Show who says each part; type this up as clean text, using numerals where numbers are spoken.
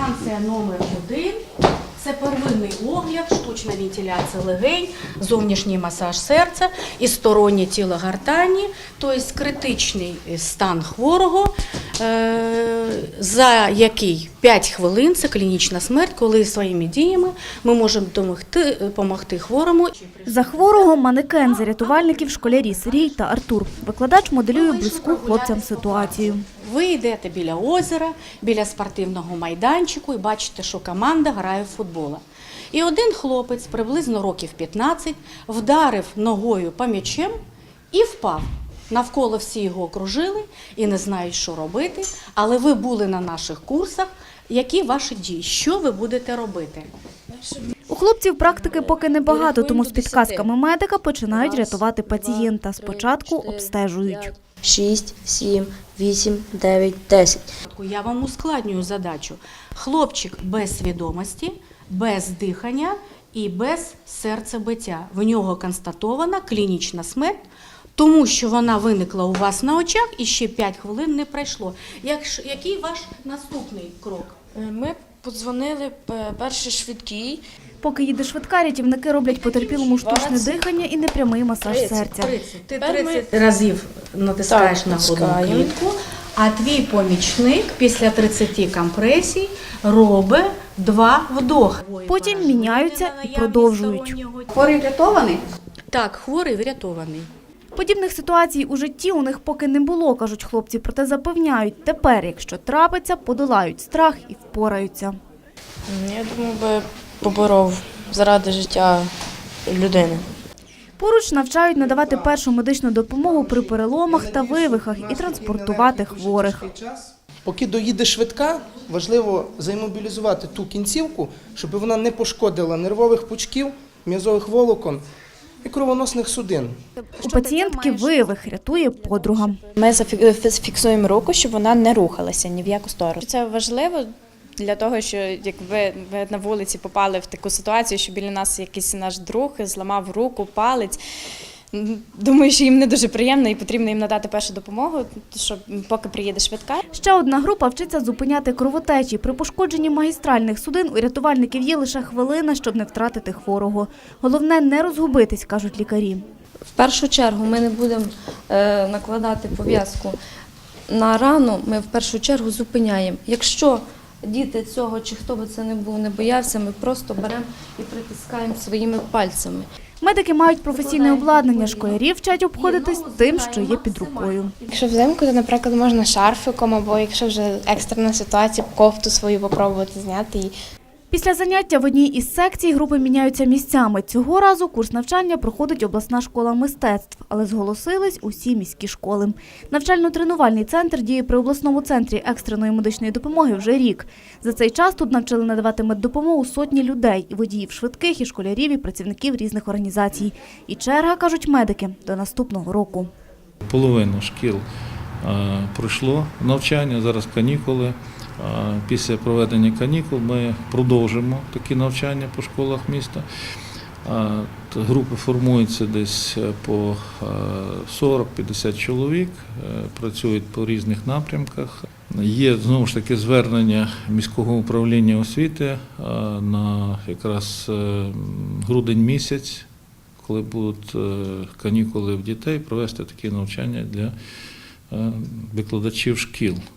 Speaker 1: станція номер 1. Це первинний огляд, штучна вентиляція легень, зовнішній масаж серця і стороннє тіло гортані, тобто критичний стан хворого, за який 5 хвилин – це клінічна смерть, коли своїми діями ми можемо допомогти хворому.
Speaker 2: За хворого манекен, за рятувальників школярі Сергій та Артур. Викладач моделює близьку хлопцям ситуацію.
Speaker 1: Ви йдете біля озера, біля спортивного майданчику і бачите, що команда грає в футбол. І один хлопець, приблизно років 15, вдарив ногою по м'ячем і впав. Навколо всі його окружили і не знають, що робити, але ви були на наших курсах. Які ваші дії? Що ви будете робити?
Speaker 2: У хлопців практики поки небагато, тому з підказками медика починають рятувати пацієнта. Спочатку обстежують.
Speaker 3: 6, 7, 8, 9, 10.
Speaker 1: Я вам ускладнюю задачу. Хлопчик без свідомості, без дихання і без серцебиття. В нього констатована клінічна смерть, тому що вона виникла у вас на очах і ще 5 хвилин не пройшло. Який ваш наступний крок?
Speaker 4: Ми подзвонили перший швидкий.
Speaker 2: Поки їде швидка, рятівники роблять потерпілому штучне дихання і непрямий масаж серця.
Speaker 1: 30. Ти 30 разів натискаєш на грудну клітку, а твій помічник після 30 компресій робить 2 вдохи.
Speaker 2: Потім міняються і продовжують.
Speaker 5: Хворий врятований?
Speaker 1: Так, хворий врятований.
Speaker 2: Подібних ситуацій у житті у них поки не було, кажуть хлопці, проте запевняють, тепер, якщо трапиться, подолають страх і впораються.
Speaker 4: Я думаю, би поборов заради життя людини.
Speaker 2: Поруч навчають надавати першу медичну допомогу при переломах та вивихах і транспортувати хворих.
Speaker 6: Поки доїде швидка, важливо заімобілізувати ту кінцівку, щоб вона не пошкодила нервових пучків, м'язових волокон і кровоносних судин.
Speaker 2: У пацієнтки вивих, рятує подруга.
Speaker 7: Ми зафіксуємо руку, щоб вона не рухалася ні в яку сторону. Це важливо для того, що як ви на вулиці попали в таку ситуацію, що біля нас якийсь наш друг зламав руку, палець. Думаю, що їм не дуже приємно і потрібно їм надати першу допомогу, щоб поки приїде швидка.
Speaker 2: Ще одна група вчиться зупиняти кровотечі. При пошкодженні магістральних судин у рятувальників є лише хвилина, щоб не втратити хворого. Головне – не розгубитись, кажуть лікарі.
Speaker 8: В першу чергу ми не будемо накладати пов'язку на рану, ми в першу чергу зупиняємо. Якщо діти цього, чи хто би це не був, не боявся, ми просто беремо і притискаємо своїми пальцями.
Speaker 2: Медики мають професійне обладнання, школярів вчать обходитись тим, що є під рукою.
Speaker 9: Якщо взимку, то, наприклад, можна шарфиком, або якщо вже екстрена ситуація, кофту свою попробувати зняти.
Speaker 2: Після заняття в одній із секцій групи міняються місцями. Цього разу курс навчання проходить обласна школа мистецтв, але зголосились усі міські школи. Навчально-тренувальний центр діє при обласному центрі екстреної медичної допомоги вже рік. За цей час тут навчили надавати меддопомогу сотні людей – і водіїв швидких, і школярів, і працівників різних організацій. І черга, кажуть медики, до наступного року.
Speaker 10: Половина шкіл пройшло навчання, зараз канікули. Після проведення канікул ми продовжимо такі навчання по школах міста. Групи формуються десь по 40-50 чоловік, працюють по різних напрямках. Є, знову ж таки, звернення міського управління освіти на якраз грудень місяць, коли будуть канікули в дітей, провести такі навчання для викладачів шкіл.